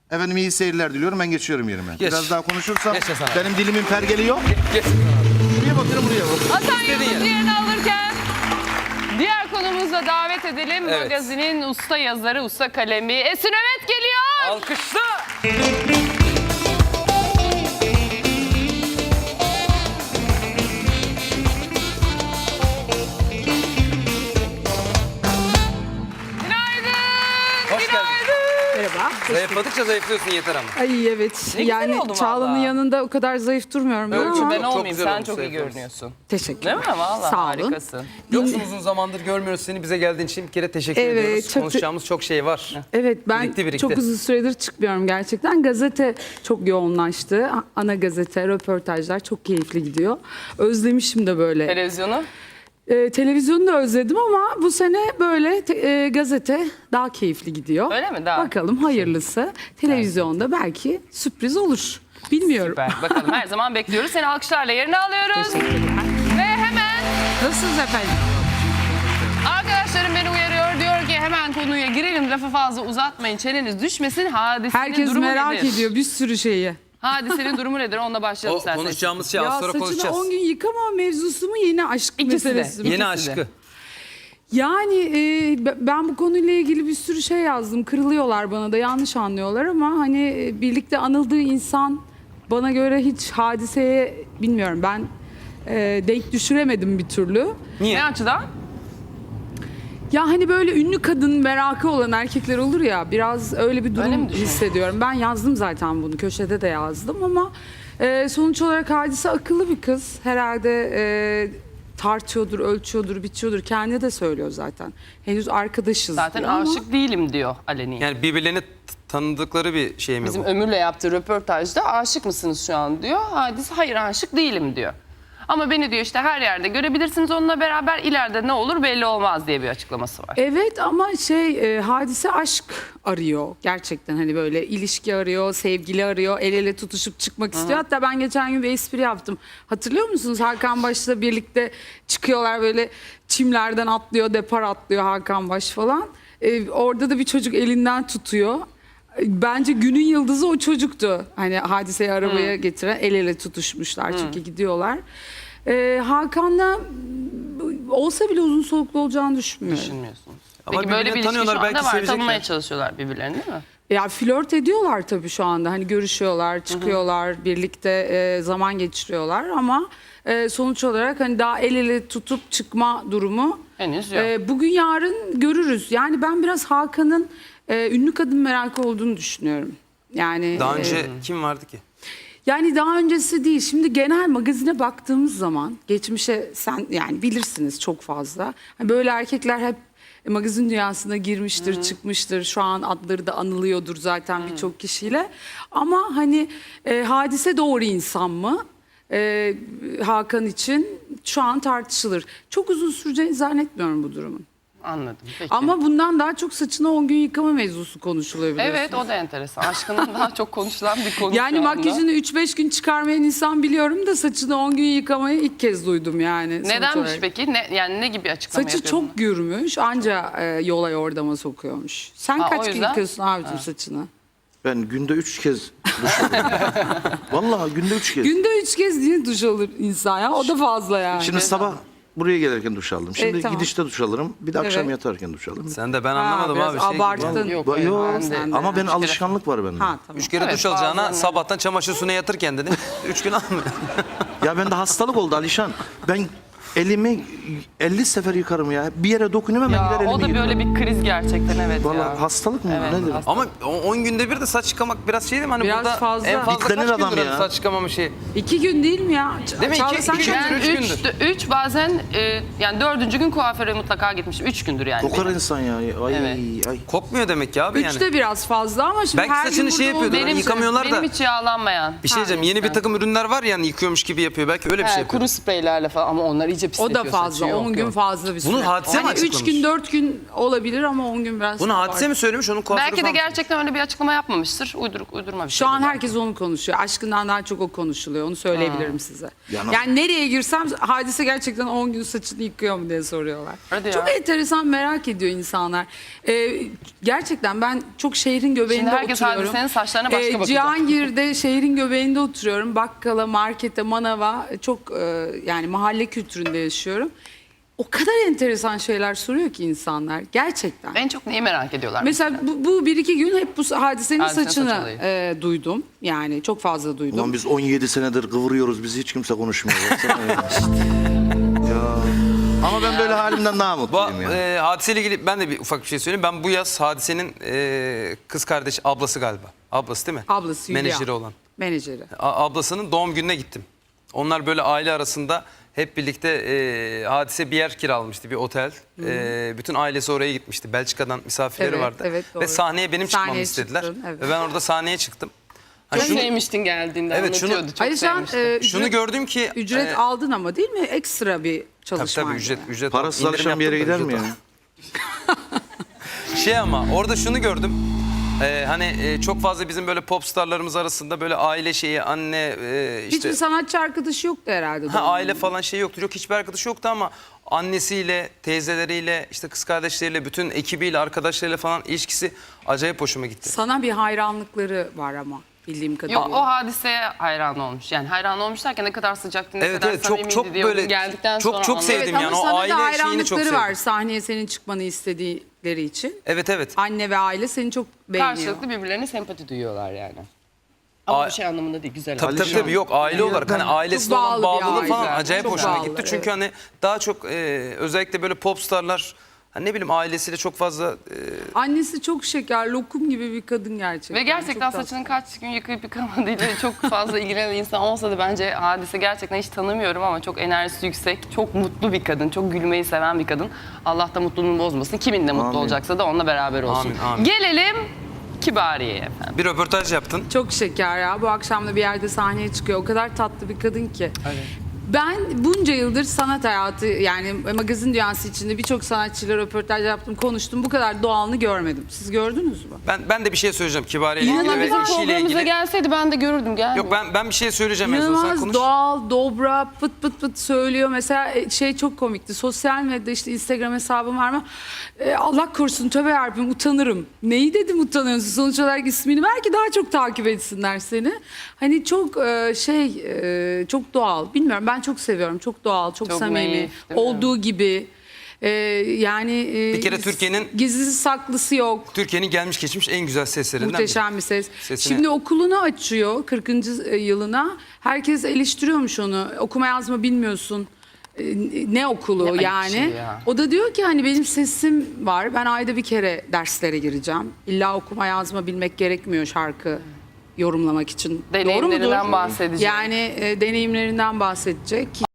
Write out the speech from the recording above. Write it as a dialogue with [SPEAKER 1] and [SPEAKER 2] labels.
[SPEAKER 1] Efendim iyi seyirler diliyorum. Ben geçiyorum yerime.
[SPEAKER 2] Geç.
[SPEAKER 1] Biraz daha konuşursam
[SPEAKER 2] Geç Hasan abi.
[SPEAKER 1] benim dilimin pergeli yok.
[SPEAKER 2] Geç.
[SPEAKER 1] Buraya bakıyorum buraya bak.
[SPEAKER 3] Hasan
[SPEAKER 2] İstediğin
[SPEAKER 3] Yıldız
[SPEAKER 2] yere.
[SPEAKER 3] yerini alırken diğer konumuza davet edelim.
[SPEAKER 2] Evet.
[SPEAKER 3] Magazinin usta yazarı, usta kalemi Esin Ömet geliyor.
[SPEAKER 2] Alkışla.
[SPEAKER 3] Günaydın.
[SPEAKER 2] Hoş geldin.
[SPEAKER 4] Merhaba.
[SPEAKER 2] Zayıfladıkça zayıflıyorsun yeter ama.
[SPEAKER 4] Ay evet.
[SPEAKER 3] Ne güzel
[SPEAKER 4] Yani
[SPEAKER 3] oldu
[SPEAKER 4] Çağla'nın
[SPEAKER 3] valla.
[SPEAKER 4] yanında o kadar zayıf durmuyorum ben
[SPEAKER 2] Ölçü
[SPEAKER 4] ama.
[SPEAKER 3] Ben
[SPEAKER 2] Çok
[SPEAKER 3] olmayayım,
[SPEAKER 2] güzel
[SPEAKER 3] sen
[SPEAKER 2] olmuş
[SPEAKER 3] çok iyi
[SPEAKER 2] zayıflamış.
[SPEAKER 4] Teşekkür
[SPEAKER 3] görünüyorsun. Değil mi? Valla
[SPEAKER 4] Sağ olun.
[SPEAKER 3] harikasın.
[SPEAKER 2] Yoksun uzun zamandır görmüyoruz seni, bize geldiğin için bir kere teşekkür
[SPEAKER 4] Evet,
[SPEAKER 2] ediyoruz.
[SPEAKER 4] çok
[SPEAKER 2] Konuşacağımız çok şey var.
[SPEAKER 4] Evet ben
[SPEAKER 2] Birikti.
[SPEAKER 4] çok uzun süredir çıkmıyorum gerçekten. Gazete çok yoğunlaştı. Ana gazete, röportajlar çok keyifli gidiyor. Özlemişim de böyle.
[SPEAKER 3] Televizyonu.
[SPEAKER 4] Televizyonu da özledim ama bu sene böyle gazete daha keyifli gidiyor.
[SPEAKER 3] Öyle mi? Daha.
[SPEAKER 4] Bakalım hayırlısı. Televizyonda belki sürpriz olur. Bilmiyorum.
[SPEAKER 3] Süper. Bakalım her zaman bekliyoruz. Seni alkışlarla yerine alıyoruz.
[SPEAKER 4] Teşekkürler.
[SPEAKER 3] Ve hemen
[SPEAKER 4] Nasılsınız efendim?
[SPEAKER 3] arkadaşlarım beni uyarıyor. Diyor ki hemen konuya girelim. Lafı fazla uzatmayın. Çeneniz düşmesin. Hadisenin
[SPEAKER 4] Herkes
[SPEAKER 3] durumu
[SPEAKER 4] merak
[SPEAKER 3] nedir?
[SPEAKER 4] ediyor bir sürü şeyi.
[SPEAKER 3] Hadisenin durumu nedir? Onunla başlayalım
[SPEAKER 2] O
[SPEAKER 3] isterseniz.
[SPEAKER 2] konuşacağımız şey
[SPEAKER 4] Ya
[SPEAKER 2] az sonra
[SPEAKER 4] saçını
[SPEAKER 2] konuşacağız.
[SPEAKER 4] 10 gün yıkama mevzusu mu yeni aşk
[SPEAKER 3] İkisi de.
[SPEAKER 4] meselesi mi?
[SPEAKER 2] Yeni
[SPEAKER 3] İkisi de.
[SPEAKER 2] aşkı.
[SPEAKER 4] Yani ben bu konuyla ilgili bir sürü şey yazdım. Kırılıyorlar bana da yanlış anlıyorlar ama hani birlikte anıldığı insan bana göre hiç hadiseye bilmiyorum ben denk düşüremedim bir türlü.
[SPEAKER 2] Niye?
[SPEAKER 3] Ne açıdan?
[SPEAKER 4] Ya hani böyle ünlü kadın merakı olan erkekler olur ya biraz öyle bir
[SPEAKER 3] Öyle mi
[SPEAKER 4] durum
[SPEAKER 3] düşünüyorsun?
[SPEAKER 4] hissediyorum. Ben yazdım zaten bunu köşede de yazdım ama sonuç olarak Hadise akıllı bir kız. Herhalde tartıyordur, ölçüyordur, biçiyordur. Kendi de söylüyor zaten. Henüz arkadaşız
[SPEAKER 3] Zaten
[SPEAKER 4] diyor ama-
[SPEAKER 3] aşık değilim diyor aleni.
[SPEAKER 2] Yani birbirlerini tanıdıkları bir şey mi
[SPEAKER 3] Bizim
[SPEAKER 2] bu?
[SPEAKER 3] Ömür'le yaptığı röportajda aşık mısınız şu an diyor. Hadise hayır aşık değilim diyor. Ama beni diyor işte her yerde görebilirsiniz onunla beraber ileride ne olur belli olmaz diye bir açıklaması var.
[SPEAKER 4] Evet ama Hadise aşk arıyor gerçekten hani böyle ilişki arıyor, sevgili arıyor, el ele tutuşup çıkmak istiyor. Hatta ben geçen gün bir espri yaptım. Hatırlıyor musunuz? Hakan Baş'la birlikte çıkıyorlar böyle çimlerden atlıyor, depar atlıyor Hakan Baş falan. Orada da bir çocuk elinden tutuyor. Bence günün yıldızı o çocuktu. Hani Hadise'yi arabaya getiren el ele tutuşmuşlar çünkü gidiyorlar. Hakan'la olsa bile uzun soluklu olacağını düşünmüyorum.
[SPEAKER 3] Düşünmüyorsunuz.
[SPEAKER 2] Ama
[SPEAKER 3] Peki böyle bir
[SPEAKER 2] birbirini
[SPEAKER 3] ilişki şu
[SPEAKER 2] tanıyorlar,
[SPEAKER 3] anda
[SPEAKER 2] belki
[SPEAKER 3] var.
[SPEAKER 2] sevecekler.
[SPEAKER 3] Tanımaya çalışıyorlar birbirlerini değil mi?
[SPEAKER 4] Ya flört ediyorlar tabii şu anda. Hani görüşüyorlar, çıkıyorlar, birlikte zaman geçiriyorlar ama sonuç olarak hani daha el ele tutup çıkma durumu
[SPEAKER 3] Henüz yok.
[SPEAKER 4] bugün yarın görürüz. Yani ben biraz Hakan'ın ünlü kadın merakı olduğunu düşünüyorum. Yani
[SPEAKER 2] Daha önce kim vardı ki?
[SPEAKER 4] yani daha öncesi değil. Şimdi genel magazine baktığımız zaman geçmişe sen yani bilirsiniz çok fazla. Hani böyle erkekler hep magazin dünyasına girmiştir, çıkmıştır. Şu an adları da anılıyordur zaten birçok kişiyle. Ama hani Hadise doğru insan mı? Hakan için şu an tartışılır. Çok uzun süreceğini zannetmiyorum bu durumun.
[SPEAKER 3] Anladım. Peki.
[SPEAKER 4] Ama bundan daha çok saçını 10 gün yıkama mevzusu konuşuluyor biliyorsunuz.
[SPEAKER 3] Evet o da enteresan. Aşkının daha çok konuşulan bir konu
[SPEAKER 4] Yani
[SPEAKER 3] şu anda.
[SPEAKER 4] makyajını 3-5 gün çıkarmayan insan biliyorum da saçını 10 gün yıkamayı ilk kez duydum yani. sonuç
[SPEAKER 3] Nedenmiş
[SPEAKER 4] olarak.
[SPEAKER 3] peki? Yani ne gibi açıklama
[SPEAKER 4] Saçı
[SPEAKER 3] yapıyor
[SPEAKER 4] çok gürmüş anca yola yordama sokuyormuş. Sen
[SPEAKER 3] Ha, o
[SPEAKER 4] kaç gün
[SPEAKER 3] yüzden?
[SPEAKER 4] yıkıyorsun abicim saçını?
[SPEAKER 1] Ben günde 3 kez duş alıyorum. Vallahi günde 3 kez.
[SPEAKER 4] Günde 3 kez diye duş alır insan ya o da fazla yani.
[SPEAKER 1] Şimdi sabah buraya gelirken duş aldım. Şimdi
[SPEAKER 4] tamam.
[SPEAKER 1] gidişte duş alırım. Bir de akşam
[SPEAKER 4] Evet.
[SPEAKER 1] yatarken duş alırım.
[SPEAKER 2] Sen de ben
[SPEAKER 4] Ha,
[SPEAKER 2] anlamadım
[SPEAKER 4] biraz
[SPEAKER 2] abi. Şey gibi.
[SPEAKER 4] abarttın.
[SPEAKER 3] Yok,
[SPEAKER 1] Yok.
[SPEAKER 3] ben de-
[SPEAKER 1] Ama benim
[SPEAKER 3] Üç kere-
[SPEAKER 1] alışkanlık var bende.
[SPEAKER 4] Ha tamam.
[SPEAKER 2] 3 kere
[SPEAKER 3] Evet,
[SPEAKER 2] duş alacağına
[SPEAKER 3] bazen öyle.
[SPEAKER 2] sabahtan çamaşır suyuna yatır kendini. 3 gün almıyor.
[SPEAKER 1] Ya bende hastalık oldu Alişan. Ben elimi 50 sefer yıkarım ya. Bir yere dokunuyorum hemen gider
[SPEAKER 3] Ya,
[SPEAKER 1] elimi
[SPEAKER 3] o da
[SPEAKER 1] yıkarım.
[SPEAKER 3] böyle bir kriz gerçekten evet
[SPEAKER 1] Vallahi
[SPEAKER 3] ya.
[SPEAKER 1] hastalık mı?
[SPEAKER 3] Evet,
[SPEAKER 1] Nedir?
[SPEAKER 2] Ama 10 günde bir de saç yıkamak biraz şey değil mi? Hani
[SPEAKER 4] Biraz
[SPEAKER 2] burada
[SPEAKER 4] fazla.
[SPEAKER 2] en fazla
[SPEAKER 1] Bitlenir
[SPEAKER 2] kaç
[SPEAKER 1] adam
[SPEAKER 2] gündür
[SPEAKER 1] ya.
[SPEAKER 2] saç yıkamama şeyi?
[SPEAKER 4] 2 gün değil mi ya?
[SPEAKER 2] Değil mi?
[SPEAKER 4] Çağla,
[SPEAKER 2] İki-
[SPEAKER 4] sen
[SPEAKER 2] iki
[SPEAKER 4] kaç-
[SPEAKER 2] gündür.
[SPEAKER 3] Ben
[SPEAKER 2] Üç gündür.
[SPEAKER 3] 3 bazen yani 4. gün kuaföre mutlaka gitmişim. 3 gündür yani.
[SPEAKER 1] Kokar
[SPEAKER 3] benim.
[SPEAKER 1] insan ya. Ay,
[SPEAKER 3] Evet.
[SPEAKER 1] ay.
[SPEAKER 2] Kokmuyor demek ki abi yani.
[SPEAKER 4] 3'te biraz fazla ama şimdi
[SPEAKER 2] Belki
[SPEAKER 4] her
[SPEAKER 2] saçını
[SPEAKER 4] gün
[SPEAKER 2] şey
[SPEAKER 4] burada
[SPEAKER 2] yapıyordur,
[SPEAKER 4] olduğu-
[SPEAKER 2] hani yıkamıyorlar da.
[SPEAKER 3] Benim hiç yağlanmayan.
[SPEAKER 2] Bir şey diyeceğim. Yeni bir takım ürünler var yani yıkıyormuş gibi yapıyor. Belki öyle bir şey yapıyor.
[SPEAKER 3] Kuru spreylerle falan ama onlar iyice iyice
[SPEAKER 4] O da
[SPEAKER 3] pisletiyor
[SPEAKER 4] fazla.
[SPEAKER 3] saçı.
[SPEAKER 4] 10 gün fazla bir süre.
[SPEAKER 2] Bunu hadise mi
[SPEAKER 4] Yani 3
[SPEAKER 2] açıklamış?
[SPEAKER 4] gün 4 gün olabilir ama 10 gün biraz.
[SPEAKER 2] Bunu
[SPEAKER 4] abart.
[SPEAKER 2] hadise mi söylemiş, onun kuaförü
[SPEAKER 3] Belki de
[SPEAKER 2] falan mı?
[SPEAKER 3] gerçekten öyle bir açıklama yapmamıştır. Uydurma bir şey.
[SPEAKER 4] Şu an herkes onu konuşuyor. Aşkından daha çok o konuşuluyor. Onu söyleyebilirim size. Yani nereye girsem Hadise gerçekten 10 gün saçını yıkıyor mu diye soruyorlar.
[SPEAKER 3] Hadi
[SPEAKER 4] Çok
[SPEAKER 3] ya.
[SPEAKER 4] enteresan, merak ediyor insanlar. Gerçekten ben çok şehrin göbeğinde
[SPEAKER 3] Şimdi herkes
[SPEAKER 4] oturuyorum.
[SPEAKER 3] Hadise'nin saçlarına başka bakacak.
[SPEAKER 4] Cihangir'de şehrin göbeğinde oturuyorum. Bakkala, markete, manava çok yani mahalle kültüründe yaşıyorum. O kadar enteresan şeyler soruyor ki insanlar gerçekten.
[SPEAKER 3] En çok neyi merak ediyorlar?
[SPEAKER 4] Mesela bu bir iki gün hep bu Hadise'nin
[SPEAKER 3] Hadise'nin
[SPEAKER 4] saçını
[SPEAKER 3] saç olayı.
[SPEAKER 4] duydum. Yani çok fazla duydum.
[SPEAKER 1] Ulan biz 17 senedir kıvırıyoruz. Bizi hiç kimse konuşmuyor. Baksana ya. Ya. Ama ben böyle halimden daha mutluyum ya.
[SPEAKER 2] Hadiseyle ilgili ben de bir ufak bir şey söyleyeyim. Ben bu yaz Hadise'nin kız kardeşi, ablası galiba. Ablası değil mi?
[SPEAKER 4] Ablası Hülya.
[SPEAKER 2] Menajeri olan.
[SPEAKER 4] Menajeri.
[SPEAKER 2] Ablasının doğum gününe gittim. Onlar böyle aile arasında hep birlikte Hadise bir yer kiralamıştı, bir otel. Bütün ailesi oraya gitmişti. Belçika'dan misafirleri
[SPEAKER 4] Evet,
[SPEAKER 2] vardı.
[SPEAKER 4] evet, doğru.
[SPEAKER 2] Ve sahneye benim çıkmamı
[SPEAKER 4] Sahneye
[SPEAKER 2] istediler.
[SPEAKER 4] çıktın, evet.
[SPEAKER 2] Ve ben orada sahneye çıktım. Ha,
[SPEAKER 3] Çok
[SPEAKER 2] şunu,
[SPEAKER 3] sevmiştin geldiğinde,
[SPEAKER 2] Evet, şunu-
[SPEAKER 3] anlatıyordu. Çok
[SPEAKER 4] Alişan
[SPEAKER 3] sevmiştin.
[SPEAKER 2] şunu gördüm ki...
[SPEAKER 4] ücret aldın ama değil mi? Ekstra bir
[SPEAKER 2] Tabii
[SPEAKER 4] çalışmaydı.
[SPEAKER 2] tabii ücret.
[SPEAKER 1] Parasız
[SPEAKER 2] indirim
[SPEAKER 1] alışan bir yere
[SPEAKER 2] yaptım da
[SPEAKER 1] gider mi
[SPEAKER 2] ücret
[SPEAKER 1] ya?
[SPEAKER 2] Ama orada şunu gördüm. Hani çok fazla bizim böyle pop starlarımız arasında böyle aile şeyi, anne işte
[SPEAKER 4] Hiçbir sanatçı arkadaşı yoktu herhalde.
[SPEAKER 2] aile falan şey yoktu. Yok, hiçbir arkadaşı yoktu ama annesiyle, teyzeleriyle, işte kız kardeşleriyle, bütün ekibiyle, arkadaşlarıyla falan ilişkisi acayip hoşuma gitti.
[SPEAKER 4] Sana bir hayranlıkları var ama bildiğim kadarıyla.
[SPEAKER 3] Yok, o Hadise'ye hayran olmuş. Yani hayran olmuş derken ne kadar sıcaktı, ne
[SPEAKER 2] Evet,
[SPEAKER 3] kadar
[SPEAKER 2] evet, çok-
[SPEAKER 3] samimiydi
[SPEAKER 2] çok
[SPEAKER 3] diye
[SPEAKER 2] böyle-
[SPEAKER 3] onu geldikten
[SPEAKER 2] çok-
[SPEAKER 3] sonra
[SPEAKER 2] çok
[SPEAKER 3] anladım.
[SPEAKER 2] sevdim.
[SPEAKER 4] Evet,
[SPEAKER 2] yani
[SPEAKER 4] ama
[SPEAKER 2] o
[SPEAKER 4] sana
[SPEAKER 2] aile
[SPEAKER 4] da
[SPEAKER 2] şeyini çok
[SPEAKER 4] hayranlıkları
[SPEAKER 2] sevdim.
[SPEAKER 4] var sahneye senin çıkmanı istedikleri için.
[SPEAKER 2] Evet evet.
[SPEAKER 4] Anne ve aile seni çok beğeniyor.
[SPEAKER 3] Karşılıklı birbirlerine sempati duyuyorlar yani. Ama
[SPEAKER 2] A-
[SPEAKER 3] bu şey anlamında değil, güzel.
[SPEAKER 2] Tabii tabii,
[SPEAKER 1] Alişan.
[SPEAKER 2] tabii, yok aile olarak hani ailesine olan
[SPEAKER 4] bağlı bir
[SPEAKER 2] bağlılığı
[SPEAKER 4] aile.
[SPEAKER 2] falan acayip
[SPEAKER 4] Çok
[SPEAKER 2] hoşuma
[SPEAKER 4] bağlı,
[SPEAKER 2] gitti. Çünkü
[SPEAKER 4] evet.
[SPEAKER 2] hani daha çok özellikle böyle pop starlar, hani ne bileyim ailesiyle çok fazla
[SPEAKER 4] Annesi çok şeker, lokum gibi bir kadın gerçekten.
[SPEAKER 3] Ve gerçekten
[SPEAKER 4] Çok tatlı.
[SPEAKER 3] saçının kaç gün yıkayıp yıkamadığıyla çok fazla ilgilenen insan olsa da bence Hadise gerçekten hiç tanımıyorum ama çok enerjisi yüksek, çok mutlu bir kadın, çok gülmeyi seven bir kadın. Allah da mutluluğunu bozmasın. Kiminle mutlu
[SPEAKER 1] Amin.
[SPEAKER 3] olacaksa da onunla beraber olsun.
[SPEAKER 2] Amin, amin.
[SPEAKER 3] Gelelim Kibariye'ye efendim.
[SPEAKER 2] bir röportaj yaptın.
[SPEAKER 4] Çok şeker ya. Bu akşam da bir yerde sahneye çıkıyor. O kadar tatlı bir kadın ki. Ben bunca yıldır sanat hayatı yani magazin dünyası içinde birçok sanatçıyla röportaj yaptım, konuştum. Bu kadar doğalını görmedim. Siz gördünüz mü?
[SPEAKER 2] Ben de bir şey söyleyeceğim Kibariye ile ilgili
[SPEAKER 3] Valla
[SPEAKER 2] ve
[SPEAKER 3] bizim
[SPEAKER 2] işiyle
[SPEAKER 3] programımıza
[SPEAKER 2] ilgili.
[SPEAKER 3] gelseydi ben de görürdüm. Gelmiyor.
[SPEAKER 2] Yok ben bir şey söyleyeceğim en son, sen
[SPEAKER 4] İnanılmaz
[SPEAKER 2] konuş.
[SPEAKER 4] doğal, dobra, pıt pıt pıt söylüyor. Mesela şey çok komikti. Sosyal medyada işte Instagram hesabım var mı? Allah korusun tövbe yarabbim utanırım. Neyi dedim utanıyorsun? Sonuç olarak ismini ver ki daha çok takip etsinler seni. Hani çok çok doğal. Bilmiyorum, ben çok seviyorum. Çok doğal, çok
[SPEAKER 3] Çok
[SPEAKER 4] samimi.
[SPEAKER 3] naif, değil mi?
[SPEAKER 4] Olduğu gibi. Yani
[SPEAKER 2] Bir kere Türkiye'nin-
[SPEAKER 4] gizlisi saklısı yok.
[SPEAKER 2] Türkiye'nin gelmiş geçmiş en güzel seslerinden biri.
[SPEAKER 4] Muhteşem bir ses.
[SPEAKER 2] Sesine-
[SPEAKER 4] Şimdi okulunu açıyor 40. yılına. Herkes eleştiriyormuş onu. Okuma yazma bilmiyorsun. Ne okulu
[SPEAKER 3] Ne ayıp
[SPEAKER 4] yani.
[SPEAKER 3] şey ya.
[SPEAKER 4] O da diyor ki hani benim sesim var. Ben ayda bir kere derslere gireceğim. İlla okuma yazma bilmek gerekmiyor şarkı yorumlamak için. Doğru
[SPEAKER 3] Deneyimlerinden
[SPEAKER 4] mudur?
[SPEAKER 3] bahsedecek.
[SPEAKER 4] Yani deneyimlerinden bahsedecek.